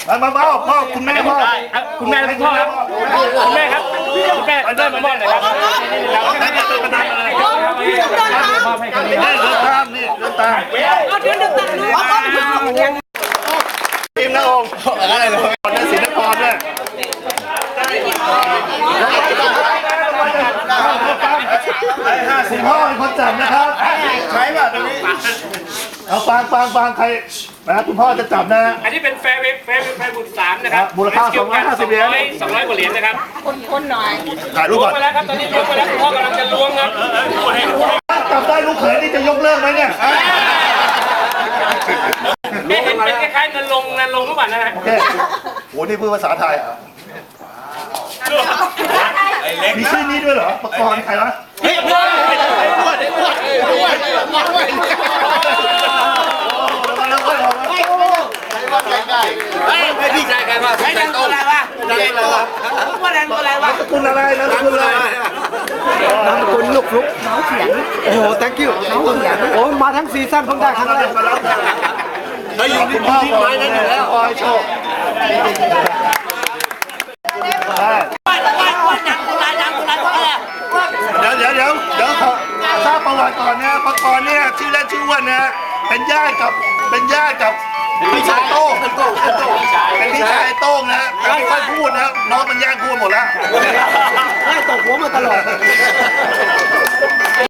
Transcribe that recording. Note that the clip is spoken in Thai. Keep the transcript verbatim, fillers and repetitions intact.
มามามอบมอบคุณแม่มอบคุณแม่คุณพ่อครับคุณแม่ครับคุณแม่เดินมามอบหน่อยครับแล้วแม่เป็นประธานอะไรมอบให้คนนี้เดินตามนี่เดินตามเอาเดินตามทีมนะองค์อะไรเลยก่อนนะศิลปากรด้วยห้าสิบพ่อเป็นคนจับนะครับใช่ป่ะตรงนี้เอาฟังฟังฟังใครนะคุณพ่อจะจับนะอันนี้เป็นแฟร์เวฟแฟร์แฟร์บุตรสามนะครับมูลค่าสองร้อยห้าสิบเหรียญสองร้อยกว่าเหรียญนะครับคนๆหน่อยถ่ายรูปก่อนไปแล้วครับตอนนี้ยกไปแล้วคุณพ่อกำลังจะล้วงครับจับได้ลูกเขยนี่จะยกเลิกไหมเนี่ยนี่เห็นเป็นคล้ายๆเงินลงเงินลงทุกวันนะฮะโอเคโหนี่พูดภาษาไทยมีชื่อนี้ด้วยเหรอปกรณ์ใครวะเฮ้ยอ้วนอ้วนอ้วนอ้วนอ้วนไม่พี่ชายใครมาใครแต่งตัวอะไรวะใครตัวว่าแดงตัวอะไรวะคุณอะไรนะคุณอะไรนามสกุลลูกฟลุ๊กน้องเขียนโอ้โห thank you น้องเขียนโอ้มาทั้งซีซั่นเพิ่งได้ครั้งแรกเขาอยู่ที่พ่อไม้นั่นอยู่แล้วคอยโชคเดี๋ยวเดี๋ยวเดี๋ยวเดี๋ยวทราบประวัติก่อนนะปกรณ์เนี่ยชื่อเล่นชื่อว่านะเป็นญาติกับเป็นญาติกับพี่ชายโต้งเป็นพี่ชายโต้งนะไม่ค่อยพูดนะน้องมันแย่งพูดหมดแล้วไล่ตกหัวมาตลอด